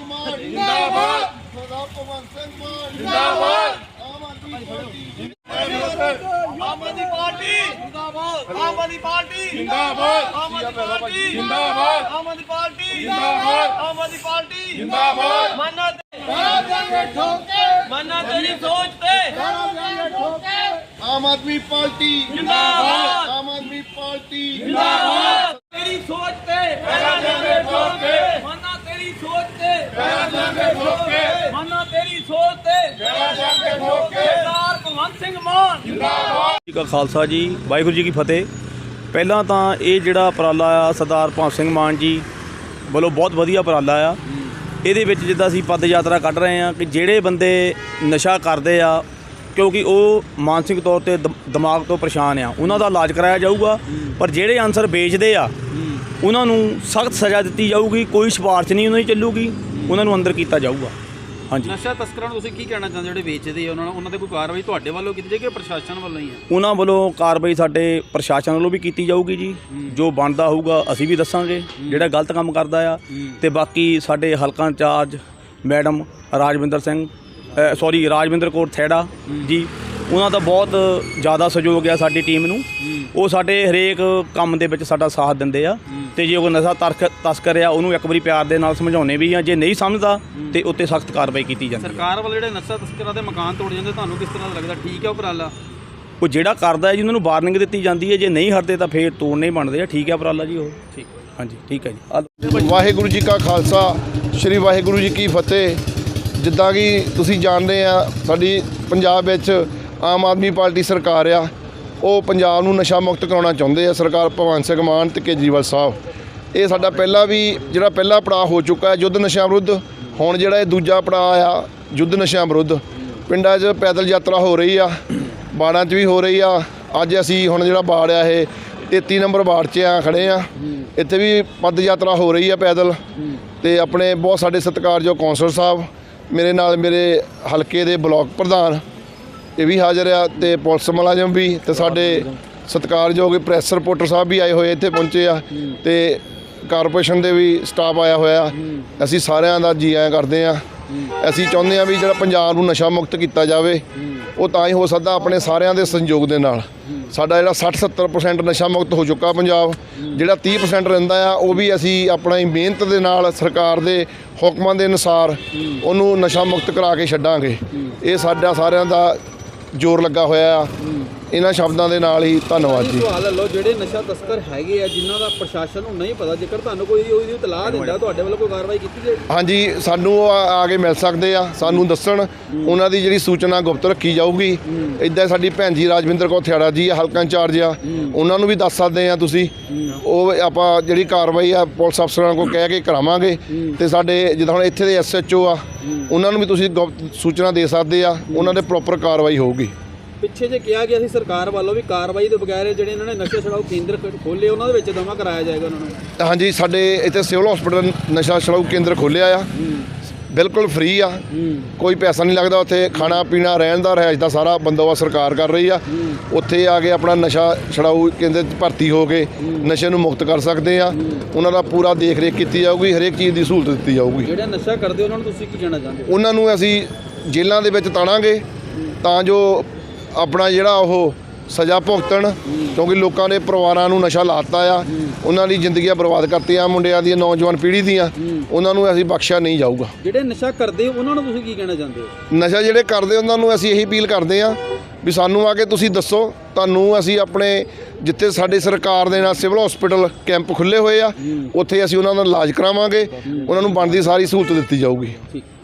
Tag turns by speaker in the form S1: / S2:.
S1: मान जिंदाबाद, सरदार भगवंत सिंह मान जिंदाबाद, आम आदमी पार्टी जिंदाबाद, आम आदमी पार्टी जिंदाबाद, आम आदमी पार्टी जिंदाबाद, आम आदमी पार्टी जिंदाबाद, आम आदमी पार्टी जिंदाबाद, आम आदमी पार्टी जिंदाबाद। मन्ना देंगे ठोके, मन्ना तेरी सोच पे देंगे ठोके। आम आदमी पार्टी जिंदाबाद, आम आदमी पार्टी जिंदाबाद। तेरी सोच पे देंगे ठोके, मन्ना तेरी सोच पे देंगे ठोके, मन्ना तेरी सोच पे देंगे ठोके। सरदार भगवंत सिंह मान जिंदाबाद।
S2: ਜੀ ਕਾ ਖਾਲਸਾ ਜੀ, ਵਾਹਿਗੁਰੂ ਜੀ ਕੀ ਫਤਿਹ। ਪਹਿਲਾਂ ਤਾਂ ਇਹ ਜਿਹੜਾ ਉਪਰਾਲਾ ਆ ਸਰਦਾਰ ਭਗਵੰਤ ਸਿੰਘ ਮਾਨ ਜੀ ਵੱਲੋਂ ਬਹੁਤ ਵਧੀਆ ਉਪਰਾਲਾ ਆ। ਇਹਦੇ ਵਿੱਚ ਜਿੱਦਾਂ ਅਸੀਂ ਪਦ ਯਾਤਰਾ ਕੱਢ ਰਹੇ ਹਾਂ ਕਿ ਜਿਹੜੇ ਬੰਦੇ ਨਸ਼ਾ ਕਰਦੇ ਆ ਕਿਉਂਕਿ ਉਹ ਮਾਨਸਿਕ ਤੌਰ ਤੇ ਦਿਮਾਗ ਤੋਂ ਪਰੇਸ਼ਾਨ ਆ, ਉਹਨਾਂ ਦਾ ਇਲਾਜ ਕਰਾਇਆ ਜਾਊਗਾ। ਪਰ ਜਿਹੜੇ ਅਨਸਰ ਵੇਚਦੇ ਆ ਉਹਨਾਂ ਨੂੰ ਸਖਤ ਸਜ਼ਾ ਦਿੱਤੀ ਜਾਊਗੀ, ਕੋਈ ਸਿਫਾਰਿਸ਼ ਨਹੀਂ ਉਹਨਾਂ ਦੀ ਚੱਲੂਗੀ, ਉਹਨਾਂ ਨੂੰ ਅੰਦਰ ਕੀਤਾ ਜਾਊਗਾ। ਹਾਂਜੀ,
S3: ਨਸ਼ਾ ਤਸਕਰਾਂ ਨੂੰ ਤੁਸੀਂ ਕੀ ਕਹਿਣਾ ਚਾਹੁੰਦੇ ਜਿਹੜੇ ਵੇਚਦੇ ਆ ਉਹਨਾਂ ਤੇ ਕੋਈ ਕਾਰਵਾਈ ਤੁਹਾਡੇ ਵੱਲੋਂ ਕੀਤੀ ਜਾਏਗੀ ਕਿ ਪ੍ਰਸ਼ਾਸਨ ਵੱਲੋਂ ਹੀ ਹੈ?
S2: ਉਹਨਾਂ ਵੱਲੋਂ ਕਾਰਵਾਈ ਸਾਡੇ ਪ੍ਰਸ਼ਾਸਨ ਵੱਲੋਂ ਵੀ ਕੀਤੀ ਜਾਊਗੀ ਜੀ, ਜੋ ਬਣਦਾ ਹੋਊਗਾ ਅਸੀਂ ਵੀ ਦੱਸਾਂਗੇ ਜਿਹੜਾ ਗਲਤ ਕੰਮ ਕਰਦਾ ਆ। ਤੇ ਬਾਕੀ ਸਾਡੇ ਹਲਕਾ ਇੰਚਾਰਜ ਮੈਡਮ ਰਾਜਵਿੰਦਰ ਕੌਰ ਥੈੜਾ ਜੀ, ਉਹਨਾਂ ਦਾ ਬਹੁਤ ਜ਼ਿਆਦਾ ਸਹਿਯੋਗ ਆ ਸਾਡੀ ਟੀਮ ਨੂੰ। ਉਹ ਸਾਡੇ ਹਰੇਕ ਕੰਮ ਦੇ ਵਿੱਚ ਸਾਡਾ ਸਾਥ ਦਿੰਦੇ ਆ। ਤੇ ਜੇ ਕੋਈ ਨਸ਼ਾ ਤਸਕਰ ਆ ਉਹਨੂੰ ਇੱਕ ਵਾਰੀ ਪਿਆਰ ਦੇ ਨਾਲ ਸਮਝਾਉਂਦੇ ਵੀ ਆ, ਜੇ ਨਹੀਂ ਸਮਝਦਾ ਤੇ ਉੱਤੇ ਸਖਤ ਕਾਰਵਾਈ ਕੀਤੀ ਜਾਂਦੀ।
S3: ਸਰਕਾਰ ਵੱਲੋਂ ਜਿਹੜੇ ਨਸ਼ਾ ਤਸਕਰਾਂ ਦੇ ਮਕਾਨ ਤੋੜ ਜਾਂਦੇ ਤੁਹਾਨੂੰ ਕਿਸ ਤਰ੍ਹਾਂ ਦਾ ਲੱਗਦਾ? ਠੀਕ ਹੈ ਉਪਰਾਲਾ?
S2: ਉਹ ਜਿਹੜਾ ਕਰਦਾ ਹੈ ਜੀ ਉਹਨਾਂ ਨੂੰ ਵਾਰਨਿੰਗ ਦਿੱਤੀ ਜਾਂਦੀ ਹੈ, ਜੇ ਨਹੀਂ ਹਟਦੇ ਤਾਂ ਫੇਰ ਤੋੜਨੇ ਬਣਦੇ ਆ। ਠੀਕ ਹੈ ਉਪਰਾਲਾ ਜੀ ਉਹ?
S3: ਠੀਕ,
S2: ਹਾਂਜੀ ਠੀਕ ਹੈ ਜੀ।
S1: ਵਾਹਿਗੁਰੂ ਜੀ ਕਾ ਖਾਲਸਾ, ਸ਼੍ਰੀ ਵਾਹਿਗੁਰੂ ਜੀ ਕੀ ਫਤਿਹ। ਜਿੱਦਾਂ ਕਿ ਤੁਸੀਂ ਜਾਣਦੇ ਆ ਸਾਡੀ ਪੰਜਾਬ ਵਿੱਚ ਆਮ ਆਦਮੀ ਪਾਰਟੀ ਸਰਕਾਰ ਆ, ਉਹ ਪੰਜਾਬ ਨੂੰ ਨਸ਼ਾ ਮੁਕਤ ਕਰਾਉਣਾ ਚਾਹੁੰਦੇ ਆ। ਸਰਕਾਰ ਭਗਵੰਤ ਸਿੰਘ ਮਾਨ ਤੇ ਕੇਜਰੀਵਾਲ ਸਾਹਿਬ, ਇਹ ਸਾਡਾ ਪਹਿਲਾ ਪੜਾਅ ਹੋ ਚੁੱਕਾ ਹੈ ਯੁੱਧ ਨਸ਼ਿਆਂ ਵਿਰੁੱਧ। ਹੁਣ ਜਿਹੜਾ ਇਹ ਦੂਜਾ ਪੜਾਅ ਆ ਯੁੱਧ ਨਸ਼ਿਆਂ ਵਿਰੁੱਧ, ਪਿੰਡਾਂ 'ਚ ਪੈਦਲ ਯਾਤਰਾ ਹੋ ਰਹੀ ਆ, ਬਾੜਾਂ 'ਚ ਵੀ ਹੋ ਰਹੀ ਆ। ਅੱਜ ਅਸੀਂ ਹੁਣ ਜਿਹੜਾ ਬਾੜ ਆ ਇਹ 33 ਨੰਬਰ ਬਾੜ 'ਚ ਖੜੇ ਆ, ਇੱਥੇ ਵੀ ਪਦ ਯਾਤਰਾ ਹੋ ਰਹੀ ਆ ਪੈਦਲ। ਤੇ ਆਪਣੇ ਬਹੁਤ ਸਾਡੇ ਸਤਿਕਾਰਯੋਗ ਕੌਂਸਲਰ ਸਾਹਿਬ, ਮੇਰੇ ਨਾਲ ਮੇਰੇ ਹਲਕੇ ਦੇ ਬਲਾਕ ਪ੍ਰਧਾਨ ਇਹ ਵੀ ਹਾਜ਼ਰ ਆ, ਤੇ ਪੁਲਿਸ ਮੁਲਾਜ਼ਮ ਵੀ, ਤੇ ਸਾਡੇ ਸਤਿਕਾਰਯੋਗ ਪ੍ਰੈਸ ਰਿਪੋਰਟਰ ਸਾਹਿਬ ਵੀ ਆਏ ਹੋਏ ਇੱਥੇ ਪਹੁੰਚੇ ਆ, ਤੇ ਕਾਰਪੋਰੇਸ਼ਨ ਦੇ ਵੀ ਸਟਾਫ ਆਇਆ ਹੋਇਆ। ਅਸੀਂ ਸਾਰਿਆਂ ਦਾ ਜੀ ਆਇਆਂ ਕਰਦੇ ਆ। ਅਸੀਂ ਚਾਹੁੰਦੇ ਆ ਵੀ ਜਿਹੜਾ ਪੰਜਾਬ ਨੂੰ ਨਸ਼ਾ ਮੁਕਤ ਕੀਤਾ ਜਾਵੇ, ਉਹ ਤਾਂ ਹੀ ਹੋ ਸਕਦਾ ਆਪਣੇ ਸਾਰਿਆਂ ਦੇ ਸਹਿਯੋਗ ਦੇ ਨਾਲ। ਸਾਡਾ ਜਿਹੜਾ 60-70% ਨਸ਼ਾ ਮੁਕਤ ਹੋ ਚੁੱਕਾ ਪੰਜਾਬ, ਜਿਹੜਾ 30% ਰਹਿੰਦਾ ਆ ਉਹ ਵੀ ਅਸੀਂ ਆਪਣੀ ਮਿਹਨਤ ਦੇ ਨਾਲ ਸਰਕਾਰ ਦੇ ਹੁਕਮਾਂ ਦੇ ਅਨੁਸਾਰ ਉਹਨੂੰ ਨਸ਼ਾ ਮੁਕਤ ਕਰਾ ਕੇ ਛੱਡਾਂਗੇ। ਇਹ ਸਾਡਾ ਸਾਰਿਆਂ ਦਾ ਜ਼ੋਰ ਲੱਗਾ ਹੋਇਆ ਆ। ਇਹਨਾਂ ਸ਼ਬਦਾਂ ਦੇ ਨਾਲ ਹੀ ਧੰਨਵਾਦ ਜੀ।
S3: ਸਵਾਲ ਲਓ, ਜਿਹੜੇ ਨਸ਼ਾ ਤਸਕਰ ਹੈਗੇ ਆ ਜਿਨ੍ਹਾਂ ਦਾ ਪ੍ਰਸ਼ਾਸਨ ਨੂੰ ਨਹੀਂ ਪਤਾ, ਜੇਕਰ ਤੁਹਾਨੂੰ ਕੋਈ ਉਹਦੀ ਇਤਲਾਹ ਦਿੰਦਾ ਤੁਹਾਡੇ ਵੱਲੋਂ ਕੋਈ ਕਾਰਵਾਈ ਕੀਤੀ ਜਾਏ?
S1: ਹਾਂਜੀ, ਸਾਨੂੰ ਆ ਕੇ ਮਿਲ ਸਕਦੇ ਆ, ਸਾਨੂੰ ਦੱਸਣ, ਉਹਨਾਂ ਦੀ ਜਿਹੜੀ ਸੂਚਨਾ ਗੁਪਤ ਰੱਖੀ ਜਾਊਗੀ। ਇੱਦਾਂ ਸਾਡੀ ਭੈਣ ਜੀ ਰਾਜਵਿੰਦਰ ਕੌਰ ਥਿਆੜਾ ਜੀ ਹਲਕਾ ਇੰਚਾਰਜ ਆ, ਉਹਨਾਂ ਨੂੰ ਵੀ ਦੱਸ ਸਕਦੇ ਆ ਤੁਸੀਂ। ਉਹ ਆਪਾਂ ਜਿਹੜੀ ਕਾਰਵਾਈ ਆ ਪੁਲਿਸ ਅਫਸਰਾਂ ਕੋਲ ਕਹਿ ਕੇ ਕਰਾਵਾਂਗੇ। ਤੇ ਸਾਡੇ ਜਿੱਦਾਂ ਹੁਣ ਇੱਥੇ ਦੇ SHO ਆ, ਉਹਨਾਂ ਨੂੰ ਵੀ ਤੁਸੀਂ ਗੁਪਤ ਸੂਚਨਾ ਦੇ ਸਕਦੇ ਆ, ਉਹਨਾਂ ਦੇ ਪ੍ਰੋਪਰ ਕਾਰਵਾਈ ਹੋਊਗੀ।
S3: ਪਿੱਛੇ ਜੇ ਕਿਹਾ ਗਿਆ ਸੀ ਸਰਕਾਰ ਵੱਲੋਂ ਵੀ ਕਾਰਵਾਈ ਦੇ ਬਗੈਰ ਜਿਹੜੇ ਇਹਨਾਂ ਨੇ ਨਸ਼ਾ ਛੁਡਾਊ ਕੇਂਦਰ ਖੋਲ੍ਹੇ ਉਹਨਾਂ ਦੇ ਵਿੱਚ ਜਮ੍ਹਾਂ ਕਰਾਇਆ ਜਾਏਗਾ ਉਹਨਾਂ ਨੂੰ?
S1: ਹਾਂਜੀ, ਸਾਡੇ ਇੱਥੇ ਸਿਵਲ ਹਸਪੀਟਲ ਨਸ਼ਾ ਛੁਡਾਊ ਕੇਂਦਰ ਖੋਲ੍ਹਿਆ ਆ, ਬਿਲਕੁਲ ਫ੍ਰੀ ਆ, ਕੋਈ ਪੈਸਾ ਨਹੀਂ ਲੱਗਦਾ। ਉੱਥੇ ਖਾਣਾ ਪੀਣਾ ਰਹਿਣ ਦਾ ਰਿਹਾਇਸ਼ ਦਾ ਸਾਰਾ ਬੰਦੋਬਸਤ ਸਰਕਾਰ ਕਰ ਰਹੀ ਆ। ਉੱਥੇ ਆ ਕੇ ਆਪਣਾ ਨਸ਼ਾ ਛੁਡਾਊ ਕੇਂਦਰ 'ਚ ਭਰਤੀ ਹੋ ਕੇ ਨਸ਼ੇ ਨੂੰ ਮੁਕਤ ਕਰ ਸਕਦੇ ਆ। ਉਹਨਾਂ ਦਾ ਪੂਰਾ ਦੇਖ ਰੇਖ ਕੀਤੀ ਜਾਊਗੀ, ਹਰੇਕ ਚੀਜ਼ ਦੀ ਸਹੂਲਤ ਦਿੱਤੀ ਜਾਊਗੀ।
S3: ਜਿਹੜੇ ਨਸ਼ਾ ਕਰਦੇ ਉਹਨਾਂ ਨੂੰ ਤੁਸੀਂ ਕੀ ਕਹਿਣਾ ਚਾਹੁੰਦੇ?
S1: ਉਹਨਾਂ ਨੂੰ ਅਸੀਂ ਜੇਲ੍ਹਾਂ ਦੇ ਵਿੱਚ ਤਾਣਾਂਗੇ ਤਾਂ ਜੋ ਆਪਣਾ ਜਿਹੜਾ ਉਹ ਸਜ਼ਾ ਭੁਗਤਣ, ਕਿਉਂਕਿ ਲੋਕਾਂ ਦੇ ਪਰਿਵਾਰਾਂ ਨੂੰ ਨਸ਼ਾ ਲਾਤਾ ਆ, ਉਹਨਾਂ ਦੀ ਜ਼ਿੰਦਗੀਆਂ ਬਰਬਾਦ ਕਰਤੀਆਂ, ਮੁੰਡਿਆਂ ਦੀਆਂ, ਨੌਜਵਾਨ ਪੀੜ੍ਹੀ ਦੀਆਂ, ਉਹਨਾਂ ਨੂੰ ਅਸੀਂ ਬਖਸ਼ਿਆ ਨਹੀਂ ਜਾਊਗਾ।
S3: ਜਿਹੜੇ ਨਸ਼ਾ ਕਰਦੇ ਉਹਨਾਂ ਨੂੰ ਤੁਸੀਂ ਕੀ ਕਹਿਣਾ ਚਾਹੁੰਦੇ ਹੋ?
S1: ਨਸ਼ਾ ਜਿਹੜੇ ਕਰਦੇ ਉਹਨਾਂ ਨੂੰ ਅਸੀਂ ਇਹੀ ਅਪੀਲ ਕਰਦੇ ਹਾਂ ਵੀ ਸਾਨੂੰ ਆ ਕੇ ਤੁਸੀਂ ਦੱਸੋ, ਤੁਹਾਨੂੰ ਅਸੀਂ ਆਪਣੇ ਜਿੱਥੇ ਸਾਡੇ ਸਰਕਾਰ ਦੇ ਨਾਲ ਸਿਵਲ ਹਸਪੀਟਲ ਕੈਂਪ ਖੁੱਲ੍ਹੇ ਹੋਏ ਆ, ਉੱਥੇ ਅਸੀਂ ਉਹਨਾਂ ਦਾ ਇਲਾਜ ਕਰਾਵਾਂਗੇ, ਉਹਨਾਂ ਨੂੰ ਬਣਦੀ ਸਾਰੀ ਸਹੂਲਤ ਦਿੱਤੀ ਜਾਊਗੀ।
S3: ਠੀਕ।